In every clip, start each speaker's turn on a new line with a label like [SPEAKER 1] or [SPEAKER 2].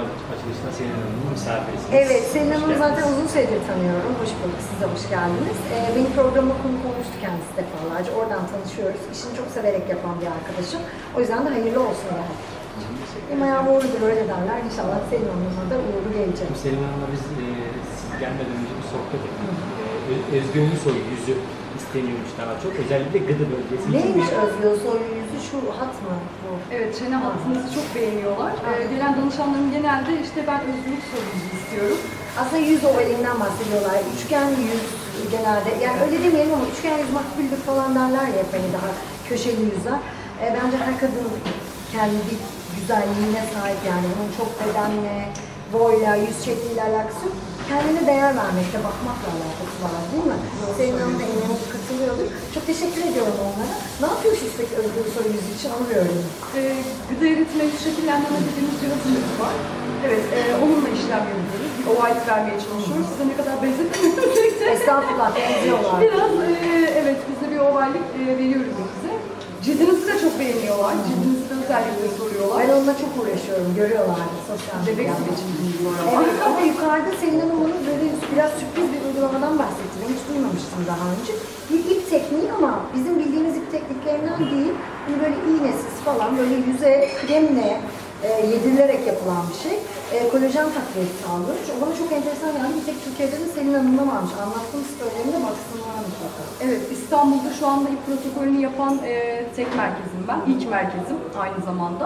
[SPEAKER 1] açılışında Selin Hanım'ın misafirisiniz.
[SPEAKER 2] Evet, Selin Hanım'ı
[SPEAKER 1] Hoş
[SPEAKER 2] zaten
[SPEAKER 1] geldiniz.
[SPEAKER 2] uzun süredir tanıyorum. Hoş bulduk, siz de hoş geldiniz. Benim programıma konuk olmuştu kendisi defalarca. Oradan tanışıyoruz. İşini çok severek yapan bir arkadaşım. O yüzden de hayırlı olsun derdik. Benim ayağım uğurludur, öyle derler. İnşallah Selin Hanım'a da uğurlu gelecek.
[SPEAKER 1] Şimdi Selin Hanım'la biz siz gelmeden önce bir sohbet ettik. Özgü Ünlüsoy yüzü isteniyormuş daha çok. Özellikle gıdı bölgesi.
[SPEAKER 2] Neymiş Özgü Soy yüzü, şu hat mı bu?
[SPEAKER 3] Evet, çene hattınızı çok beğeniyorlar. Gelen danışanlarım genelde işte ben özgürlük sorumuzu istiyorum.
[SPEAKER 2] Aslında yüz ovalinden bahsediyorlar. Üçgen yüz genelde. Yani öyle demeyelim ama üçgen yüz makbuldür falan derler ya hep hani daha köşeli yüzler. Bence her kadın kendi güzelliğine sahip yani. Bunun çok bedenle, boyla, yüz şekliyle alakası yok. Kendine değer vermekte, bakmakla alakası var değil mi? Senin Hanım'la eminim katılıyordur. Çok teşekkür ediyorum onlara. Ne yapıyorsunuz peki Özgür Soy yüzü için anlıyorum.
[SPEAKER 3] Gıda eritme yüz şekillendirme dediğimiz cihazımız var. Evet, onunla işlem yapıyoruz. Bir ovallik vermeye çalışıyoruz. Size ne kadar benzetmiyoruz.
[SPEAKER 2] Estağfurullah, benziyorlar.
[SPEAKER 3] Biraz, evet, biz de bir ovallik veriyoruz size. Cildinizi de çok beğeniyorlar. Cildinizi de özellikle soruyorlar.
[SPEAKER 2] Ben onunla çok uğraşıyorum, görüyorlar sosyal
[SPEAKER 3] Bebek
[SPEAKER 2] medyada.
[SPEAKER 3] gibi cildiniz var ama.
[SPEAKER 2] Evet ama yukarıda Selin Hanım'ın böyle biraz sürpriz bir uygulamadan bahsetti. Ben hiç duymamıştım daha önce. Bir ip tekniği ama bizim bildiğimiz ip tekniklerinden değil. Hani böyle iğnesiz falan böyle yüze kremle yedirilerek yapılan bir şey. Kolajen takviyesi sağlıyor. O bana çok enteresan geldi. Bir tek Türkiye'de de Selin Hanım'da varmış. Anlattığım sitelerinde baksınlar mutlaka.
[SPEAKER 3] Evet, İstanbul'da şu anda ilk protokolünü yapan tek merkezim ben. İlk merkezim aynı zamanda.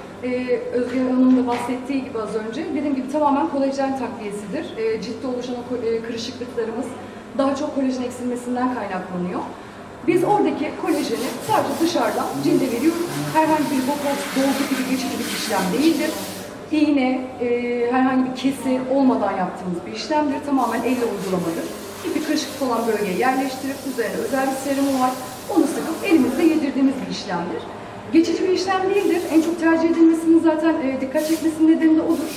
[SPEAKER 3] Özgür Hanım'ın da bahsettiği gibi az önce, dediğim gibi tamamen kolajen takviyesidir. Ciltte oluşan o kırışıklıklarımız daha çok kolajen eksilmesinden kaynaklanıyor. Biz oradaki kolajeni sadece dışarıdan cilde veriyoruz. Herhangi bir botoks, dolgu gibi geçici bir işlem değildir. İğne, herhangi bir kesi olmadan yaptığımız bir işlemdir. Tamamen elle uygulamadır. Bir kırışıklık olan bölgeye yerleştirip üzerine özel bir serumu var. Onu sıkıp elimizde yedirdiğimiz bir işlemdir. Geçici bir işlem değildir. En çok tercih edilmesinin zaten dikkat çekmesinin nedeni de odur.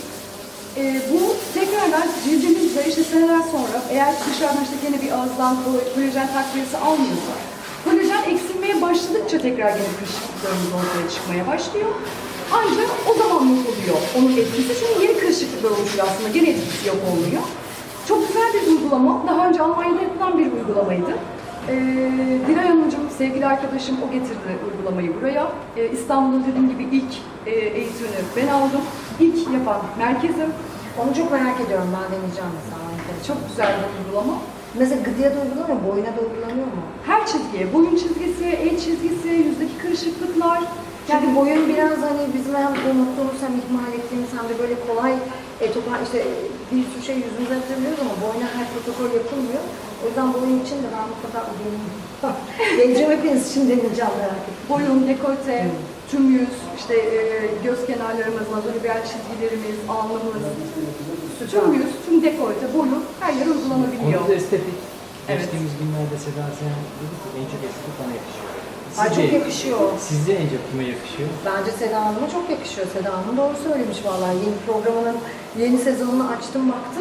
[SPEAKER 3] Bu tekrardan cildimizde işte seneler sonra eğer dışarıdan işte gene bir ağızdan kolajen takviyesi almıyorsa kolajen eksilmeye başladıkça tekrar gene kırışıklıklarımız ortaya çıkmaya başlıyor. Ancak o zaman yok oluyor onun etkisi. Çünkü yeni kırışıklıklar oluşuyor aslında. Gene etkisi yok olmuyor. Çok güzel bir uygulama. Daha önce Almanya'da yapılan bir uygulamaydı. Dilay Hanımcığım, sevgili arkadaşım, o getirdi uygulamayı buraya. İstanbul'da dediğim gibi ilk eğitimini ben aldım. İlk yapan merkezim.
[SPEAKER 2] Onu çok merak ediyorum, ben deneyeceğim mesela.
[SPEAKER 3] Çok güzel bir uygulama.
[SPEAKER 2] Mesela gıdıya da uygulanıyor mu? Boyuna da uygulanıyor mu?
[SPEAKER 3] Her çizgiye, boyun çizgisi, el çizgisi, yüzdeki kırışıklıklar.
[SPEAKER 2] Çünkü boyun biraz hani bizim hem unuttuğumuz hem ihmal ettiğimiz hem de böyle kolay işte bir sürü şey yüzümüze atabiliyoruz ama boyuna her protokol yapılmıyor. O yüzden boyun için de ben mutlaka deneyim. Geleceğim hepiniz için deneyeceğim merak ettim.
[SPEAKER 3] Boyun, dekolte, tüm yüz, işte göz kenarlarımız, nazolibiyal çizgilerimiz, alnımız, tüm yüz, tüm dekolte, boyun her yer uygulanabiliyor.
[SPEAKER 1] Konu da estetik.
[SPEAKER 3] Evet.
[SPEAKER 1] Geçtiğimiz günlerde Seda Sayan dedi ki en çok estetik bana yakışıyor.
[SPEAKER 2] Ay çok yakışıyor.
[SPEAKER 1] Size en çok kime yakışıyor?
[SPEAKER 2] Bence Seda Hanım'a çok yakışıyor. Seda Hanım doğru söylemiş vallahi. Yeni programının yeni sezonunu açtım baktım.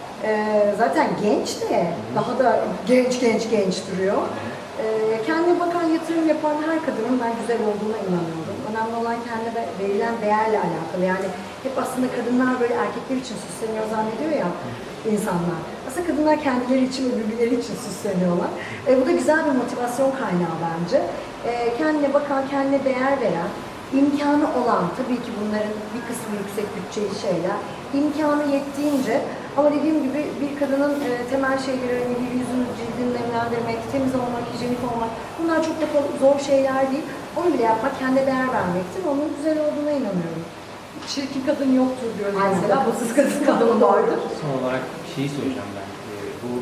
[SPEAKER 2] Zaten genç de daha da genç duruyor. Kendine bakan, yatırım yapan her kadının ben güzel olduğuna inanıyorum. Önemli olan kendine verilen değerle alakalı. Yani hep aslında kadınlar böyle erkekler için süsleniyor zannediyor ya insanlar. Aslında kadınlar kendileri için ve birbirleri için süsleniyorlar. Bu da güzel bir motivasyon kaynağı bence. Kendine bakan, kendine değer veren, imkanı olan, tabii ki bunların bir kısmı yüksek bütçeli şeyler, imkanı yettiğince ama dediğim gibi bir kadının temel şeyleri, hani bir yüzünü, cildini nemlendirmek, temiz olmak, hijyenik olmak, bunlar çok da zor şeyler değil. Onu bile yapmak, kendine değer vermektir. Onun güzel olduğuna inanıyorum.
[SPEAKER 3] Çirkin kadın yoktur diyoruz
[SPEAKER 2] Aynen,
[SPEAKER 3] mesela.
[SPEAKER 2] bakımsız kadın vardır.
[SPEAKER 1] Son olarak şeyi soracağım ben. Bu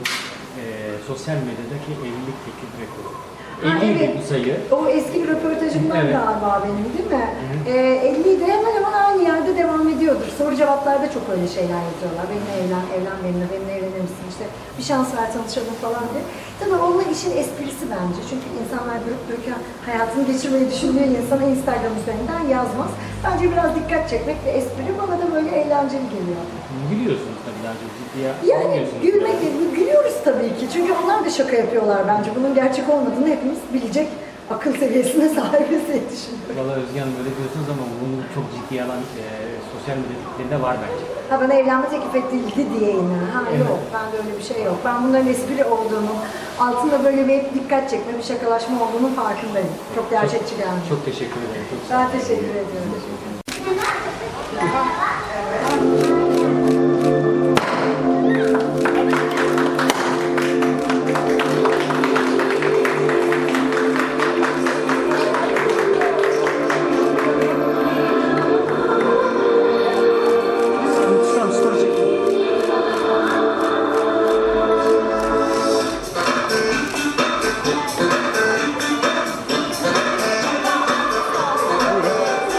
[SPEAKER 1] sosyal medyadaki evlilik teklif rekoru. 50
[SPEAKER 2] evet.
[SPEAKER 1] bu sayı.
[SPEAKER 2] O eski bir röportajımdan
[SPEAKER 1] Evet.
[SPEAKER 2] galiba benim değil mi? 50'de hemen hemen aynı yerde devam ediyordur. Soru cevaplarda çok öyle şeyler yazıyorlar. Benimle evlen benimle evlenir misin? İşte bir şans ver tanışalım falan diye. Tabii onun işin esprisi bence. Çünkü insanlar durup dururken hayatını geçirmeyi düşündüğü insana Instagram üzerinden yazmaz. Bence biraz dikkat çekmek ve espri bana da böyle eğlenceli geliyor.
[SPEAKER 1] Gülüyorsunuz tabii daha çok ciddiye
[SPEAKER 2] Yani
[SPEAKER 1] almıyorsunuz.
[SPEAKER 2] gülüyoruz tabii ki. Çünkü onlar da şaka yapıyorlar bence. Bunun gerçek olmadığını hepimiz bilecek akıl seviyesine sahibiz diye düşünüyorum.
[SPEAKER 1] Valla Özge Hanım öyle diyorsunuz ama bunu çok ciddiye alan sosyal medya tiplerinde var bence.
[SPEAKER 2] Ha bana evlenme teklif edildi diye yine. Ha
[SPEAKER 1] Evet.
[SPEAKER 2] yok, bende öyle bir şey yok. Ben bunların espri olduğunu, altında böyle bir dikkat çekme, bir şakalaşma olduğunun farkındayım. Çok gerçekçi geldi.
[SPEAKER 1] Çok teşekkür ederim. Çok sağ olun.
[SPEAKER 2] Ben teşekkür ediyorum.
[SPEAKER 1] Teşekkür ederim.